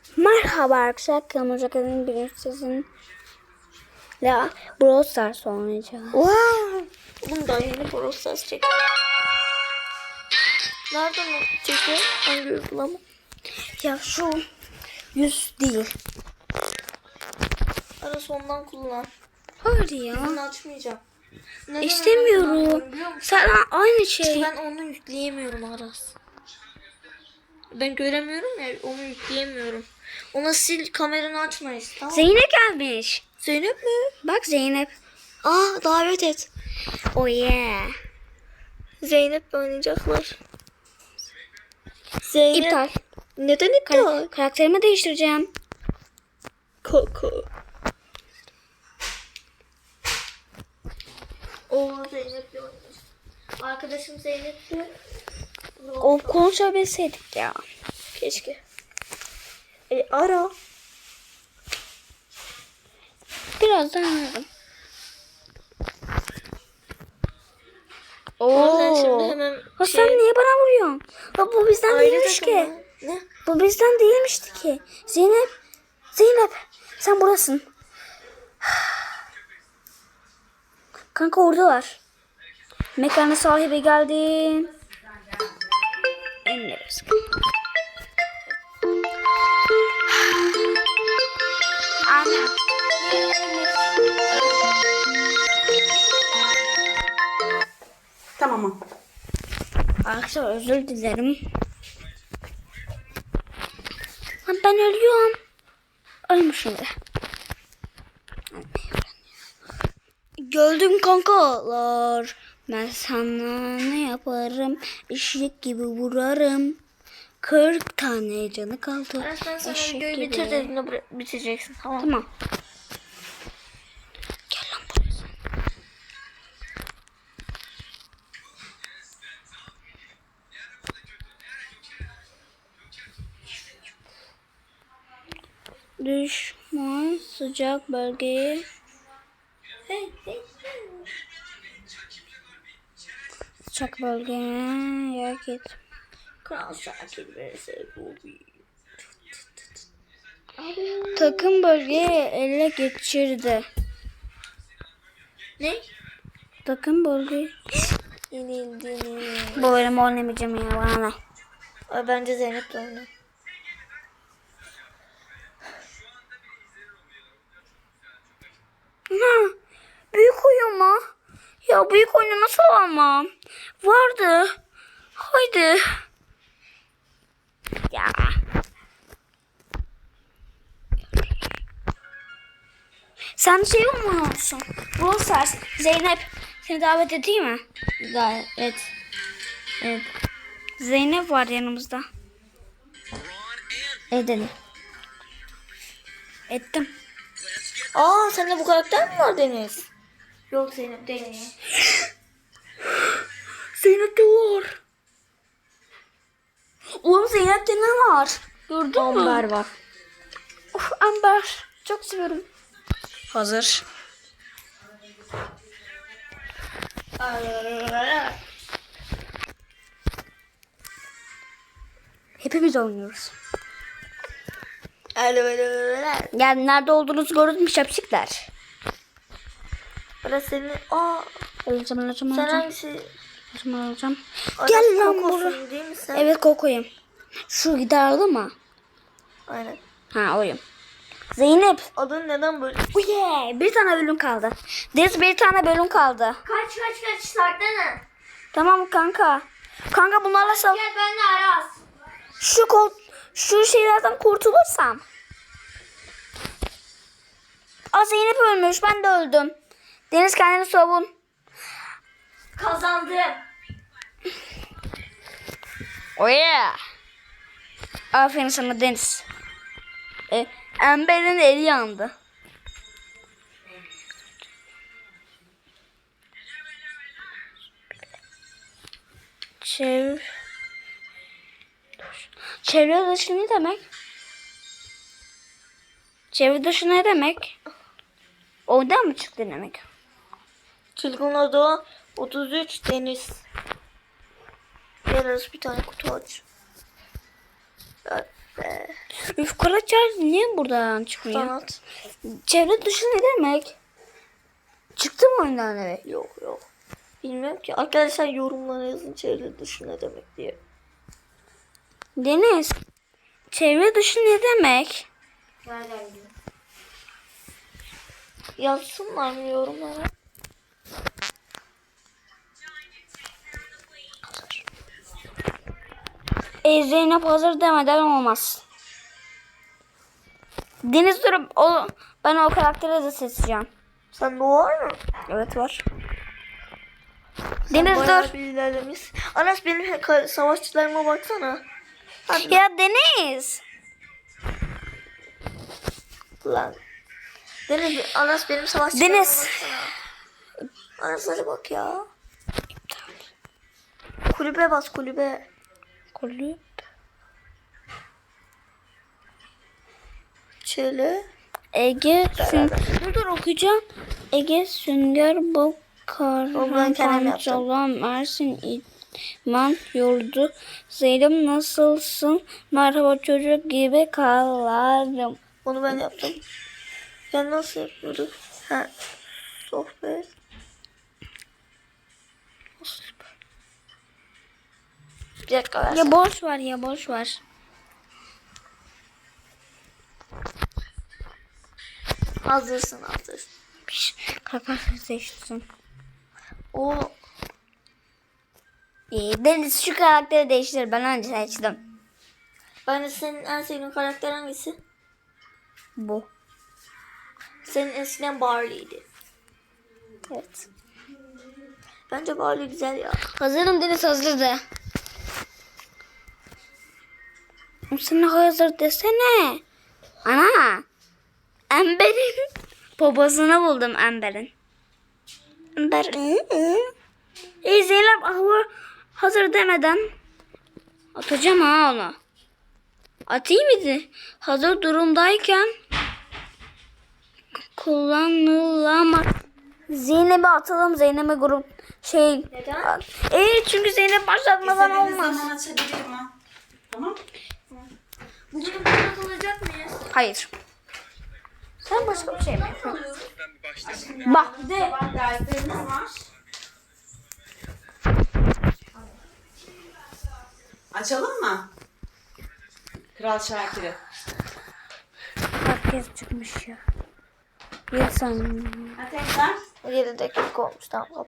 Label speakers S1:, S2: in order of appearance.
S1: Merhaba arkadaşlar, kanalıma kadın bir sizin la Brawl Stars oynayacağız.
S2: Wow. Oğlum daha yeni Brawl Stars çek. Nereden çekiyor? Hangi uygulama?
S1: Ya şu 100 değil.
S2: Arası ondan kullan.
S1: Hayır ya.
S2: Bunu açmayacağım. Neden
S1: İstemiyorum. Sen aynı şey.
S2: Ben onu yükleyemiyorum Aras. Ben göremiyorum ya, onu yükleyemiyorum. Ona sil, kameranı açmayız, tamam.
S1: Zeynep gelmiş.
S2: Zeynep mi?
S1: Bak Zeynep.
S2: Davet et.
S1: Oh yeah.
S2: Zeynep oynayacaklar. Zeynep.
S1: İptal.
S2: Neden iptal?
S1: Karakterimi değiştireceğim.
S2: Koko. Zeynep'le oynuyoruz. Arkadaşım Zeynep'le.
S1: O konuşabilseydik ya.
S2: Keşke. Ara.
S1: Birazdan ararım.
S2: Oradan şimdi hemen
S1: Ha, sen niye bana vuruyorsun? Ha, bu bizden değilmiş ki.
S2: Ne?
S1: Bu bizden değilmişti ki. Zeynep sen buradasın. Kanka oradalar. Mekanın sahibi geldi. Emre Anne.
S3: Tamam.
S1: Arkadaşlar özür dilerim. Lan ben ölüyorum. Ölmüşüm de. Gördüm kankalar. Ben sana ne yaparım? Eşek gibi vurarım. 40 tane canı kaldı.
S2: Aras, ben sana
S1: Eşek
S2: videoyu
S1: gibi.
S2: bitir dediğinde bitireceksin, tamam.
S1: Tamam. Gel lan buraya sen. Düşman sıcak bölgeye.
S2: Hey.
S1: Sıcak bölgeye yak et.
S2: Kral Şakir vs. Bobby.
S1: Takım bölgeyi ele geçirdi.
S2: Ne?
S1: Takım bölgeyi.
S2: Yenildiğini.
S1: Bu bölümü oynamayacağım ya, bana ne?
S2: Bence Zeynep de oynar.
S1: Ha, büyük oyun mu? Ya büyük oyunu nasıl alamam? Vardı. Haydi. Ya. Sen şey olmuyorsun. Brawl Stars. Zeynep. Seni davet edeyim mi?
S2: Gayet. Evet.
S1: Zeynep var yanımızda.
S2: Edelim.
S1: Ettim.
S2: Sende bu karakter mi var Deniz? Yok, Zeynep değil.
S1: Zeynep'te var. Oğlum Zeynep'te ne var? Gördün mü?
S2: Amber var.
S1: Of, Amber. Çok seviyorum. Hazır. Hepimiz oynuyoruz. Yani nerede olduğunuzu gördün mü şapşikler?
S2: Aras senin...
S1: Öleceğim.
S2: Sen hangisi?
S1: Öleceğim.
S2: Aras
S1: Gel lan
S2: Koko'sun
S1: buraya.
S2: değil mi sen?
S1: Evet, Koko'yum. Şu giderdi mı?
S2: Aynen.
S1: Ha, oyum. Zeynep.
S2: Adın neden böyle?
S1: Oh yeah. Bir tane bölüm kaldı. Deniz, bir tane bölüm kaldı.
S2: Kaç saklana.
S1: Tamam kanka. Kanka bunlarla sal.
S2: Gel ben de Aras.
S1: Şu şeylerden kurtulursam. Zeynep ölmüş. Ben de öldüm. Deniz, kendini savun.
S2: Kazandım.
S1: Oh yeah. Aferin sana Deniz. Amber'in eli yandı. Çevre dışı ne demek? Çevre dışı ne demek? Oradan mı çıktı demek?
S2: Çılgın Ada 33 Deniz. Gel Aras, bir tane kutu aç.
S1: Üf Karaçay niye buradan çıkmıyor?
S2: Sanat.
S1: Çevre dışı ne demek? Çıktı mı oyundan evet?
S2: Yok. Bilmiyorum ki. Arkadaşlar yorumlara yazın çevre dışı ne demek diye.
S1: Deniz. Çevre dışı ne demek?
S2: Yazsınlar mı yorumlara?
S1: Zeynep hazır demeden olmaz. Deniz dur. Ben o karakteri de seçeceğim.
S2: Sen de var mı?
S1: Evet var.
S2: Sen
S1: Deniz
S2: bayağı
S1: dur.
S2: bir ilerlemiş. Anas benim savaşçılarıma baksana. Hadi
S1: Ya Deniz.
S2: lan. Deniz, Anas benim savaşçılarıma
S1: Deniz.
S2: baksana. Anas hadi bak ya. Kulübe bas kulübe.
S1: Kulüp.
S2: Şöyle.
S1: Ege dur okuyacağım. Ege Sünger Bob
S2: Oğlum ben kendim yaptım.
S1: Karhan Mersin İdman Yurdu Zeynep nasılsın? Merhaba çocuk gibi kallarım.
S2: Onu ben yaptım. Ya nasıl yapıyorduk? Ha. Sohbet. Bir dakika ver.
S1: Ya boş ver.
S2: Hazır.
S1: Karakter seçtim.
S2: O
S1: Deniz şu karakteri değiştir. Ben önce seçtim.
S2: ben de senin en sevdiğin karakter hangisi?
S1: Bu.
S2: Senin eskiden Barley'di.
S1: Evet.
S2: Bence Barley güzel ya.
S1: Hazırım Deniz hazırdı. Sen hazır desene. Ana. Amber'in babasını buldum Amber'in. Amber. Zeynep hazır demeden atacağım ha onu. Atayım mıydı? Hazır durumdayken kullanılamaz. Zeynep'e atalım. Zeynep'e grup
S2: Neden?
S1: çünkü Zeynep başlatmadan
S3: İstediğiniz
S1: olmaz.
S3: zaman açabilirim ha. Tamam.
S2: Bugün burada kalacak mıyız?
S1: Hayır. Sen başka bir şey mi yapıyorsun? Bak de.
S3: Sabah derslerimiz var. Açalım mı? Kral Şakir'i.
S1: Herkes çıkmış ya. Bir saniye.
S3: Ha tekrar.
S2: 7 dakika olmuş tamam.